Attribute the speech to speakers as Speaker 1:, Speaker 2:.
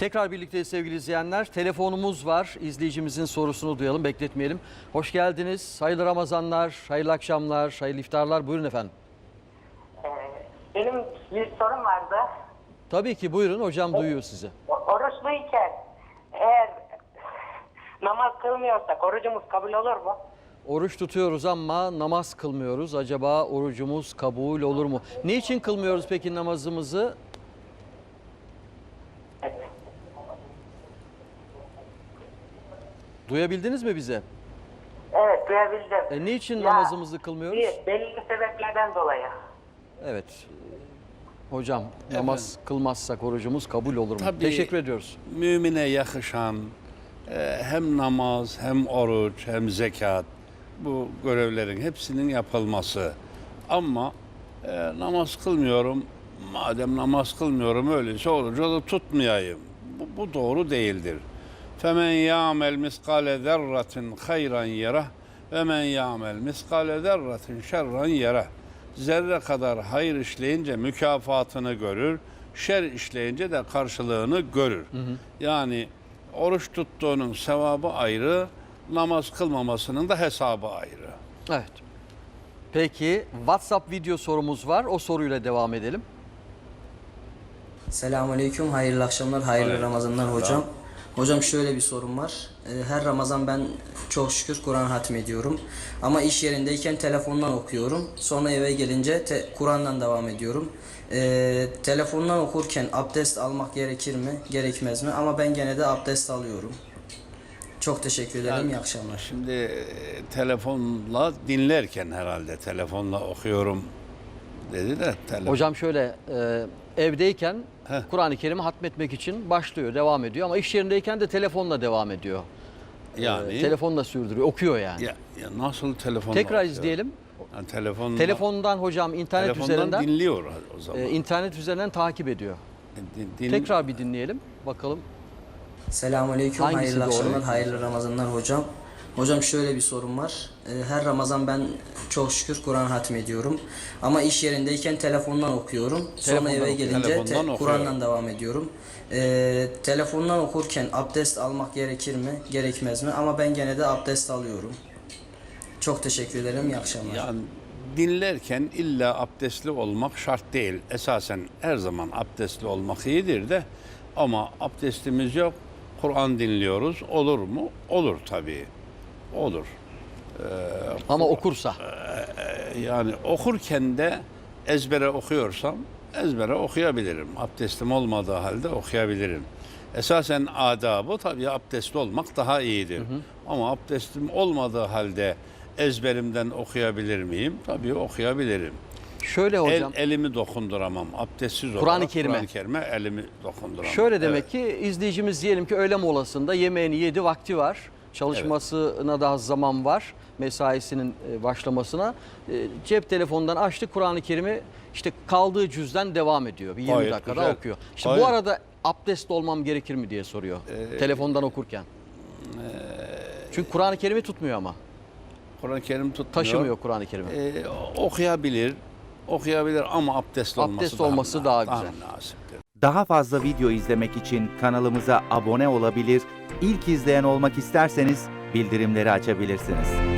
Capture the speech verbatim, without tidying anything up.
Speaker 1: Tekrar birlikte sevgili izleyenler. Telefonumuz var. İzleyicimizin sorusunu duyalım, bekletmeyelim. Hoş geldiniz. Hayırlı Ramazanlar, hayırlı akşamlar, hayırlı iftarlar. Buyurun efendim.
Speaker 2: Ee, benim bir sorum vardı.
Speaker 1: Tabii ki buyurun. Hocam duyuyor sizi.
Speaker 2: O, oruçluyken eğer namaz kılmıyorsak orucumuz kabul olur mu?
Speaker 1: Oruç tutuyoruz ama namaz kılmıyoruz. Acaba orucumuz kabul olur mu? Niçin kılmıyoruz peki namazımızı? Duyabildiniz mi bize?
Speaker 2: Evet, duyabildim.
Speaker 1: E, niçin
Speaker 2: Ya,
Speaker 1: namazımızı kılmıyoruz?
Speaker 2: Bir, belli sebeplerden dolayı.
Speaker 1: Evet. Hocam namaz kılmazsak orucumuz kabul olur mu?
Speaker 3: Tabii,
Speaker 1: Teşekkür ediyoruz.
Speaker 3: Mümine yakışan e, hem namaz hem oruç hem zekat, bu görevlerin hepsinin yapılması. Ama e, namaz kılmıyorum, madem namaz kılmıyorum öyleyse orucu da tutmayayım. Bu, bu doğru değildir. فَمَنْ يَعْمَلْ مِسْقَالَ ذَرَّةٍ خَيْرًا يَرَهُ وَمَنْ يَعْمَلْ مِسْقَالَ ذَرَّةٍ شَرًّا يَرَهُ. Zerre kadar hayır işleyince mükafatını görür, şer işleyince de karşılığını görür. Hı hı. Yani oruç tuttuğunun sevabı ayrı, namaz kılmamasının da hesabı ayrı.
Speaker 1: Evet. Peki WhatsApp video sorumuz var. O soruyla devam edelim.
Speaker 4: Selamünaleyküm, hayırlı akşamlar, hayırlı
Speaker 3: Aleyküm
Speaker 4: Ramazanlar
Speaker 3: selam.
Speaker 4: hocam. Hocam şöyle bir sorum var. Ee, Her Ramazan ben çok şükür Kur'an hatmediyorum. Ama iş yerindeyken telefondan okuyorum. Sonra eve gelince te- Kur'an'dan devam ediyorum. Ee, telefondan okurken abdest almak gerekir mi, gerekmez mi? Ama ben gene de abdest alıyorum. Çok teşekkür ederim,
Speaker 3: Yani,
Speaker 4: iyi akşamlar.
Speaker 3: Şimdi e, telefonla dinlerken herhalde telefonla okuyorum dedi de. Telefon.
Speaker 1: Hocam şöyle e, evdeyken
Speaker 3: Heh.
Speaker 1: Kur'an-ı Kerim'i hatmetmek için başlıyor, devam ediyor. Ama iş yerindeyken de telefonla devam ediyor.
Speaker 3: Yani
Speaker 1: E, telefonla sürdürüyor, okuyor yani.
Speaker 3: ya, ya nasıl telefonla
Speaker 1: Tekrar
Speaker 3: okuyor?
Speaker 1: izleyelim.
Speaker 3: Yani telefonla,
Speaker 1: Telefondan hocam internet
Speaker 3: telefondan
Speaker 1: üzerinden
Speaker 3: dinliyor o zaman.
Speaker 1: e, internet üzerinden takip ediyor.
Speaker 3: Din- din-
Speaker 1: Tekrar bir dinleyelim. Bakalım.
Speaker 4: Selamünaleyküm,
Speaker 1: Hangisi
Speaker 4: hayırlı
Speaker 1: doğru?
Speaker 4: akşamlar, hayırlı Ramazanlar hocam. Hocam şöyle bir sorum var. Ee, Her Ramazan ben çok şükür Kur'an hatmediyorum. Ama iş yerindeyken telefondan okuyorum. Sonra
Speaker 1: Telefondan
Speaker 4: eve
Speaker 1: oku-
Speaker 4: gelince
Speaker 3: telefondan
Speaker 4: te-
Speaker 3: okuyorum.
Speaker 4: Kur'an'dan devam ediyorum. Ee, telefondan okurken abdest almak gerekir mi, gerekmez mi? Ama ben gene de abdest alıyorum. Çok teşekkür ederim, iyi akşamlar.
Speaker 3: Yani dinlerken illa abdestli olmak şart değil. Esasen her zaman abdestli olmak iyidir de, ama abdestimiz yok, Kur'an dinliyoruz. Olur mu? Olur tabii. Olur.
Speaker 1: Ama okursa.
Speaker 3: Yani okurken de ezbere okuyorsam ezbere okuyabilirim. Abdestim olmadığı halde okuyabilirim. Esasen adabı tabii abdestli olmak daha iyidir. Hı hı. Ama abdestim olmadığı halde ezberimden okuyabilir miyim? Tabii okuyabilirim.
Speaker 1: Şöyle hocam.
Speaker 3: El, elimi dokunduramam. Abdestsiz olarak
Speaker 1: Kur'an-ı Kerim'e.
Speaker 3: Kur'an-ı Kerim'e elimi dokunduramam.
Speaker 1: Şöyle demek
Speaker 3: Evet.
Speaker 1: ki izleyicimiz diyelim ki öğle molasında yemeğini yedi, vakti var. Çalışmasına daha zaman var. Mesaisinin e, başlamasına. E, Cep telefonundan açtı, Kur'an-ı Kerim'i işte kaldığı cüzden devam ediyor. Bir yirmi
Speaker 3: Gayet
Speaker 1: dakikada
Speaker 3: güzel.
Speaker 1: okuyor. İşte
Speaker 3: Gayet-
Speaker 1: bu arada abdestli olmam gerekir mi diye soruyor.
Speaker 3: Ee,
Speaker 1: telefondan okurken. Çünkü Kur'an-ı Kerim'i tutmuyor ama.
Speaker 3: Kur'an-ı Kerim tutmuyor.
Speaker 1: Taşımıyor Kur'an-ı Kerim'i.
Speaker 3: Ee, okuyabilir. Okuyabilir ama abdestli olması,
Speaker 1: Abdest olması daha güzel.
Speaker 3: Daha nasiptir.
Speaker 5: Daha fazla video izlemek için kanalımıza abone olabilir, ilk izleyen olmak isterseniz bildirimleri açabilirsiniz.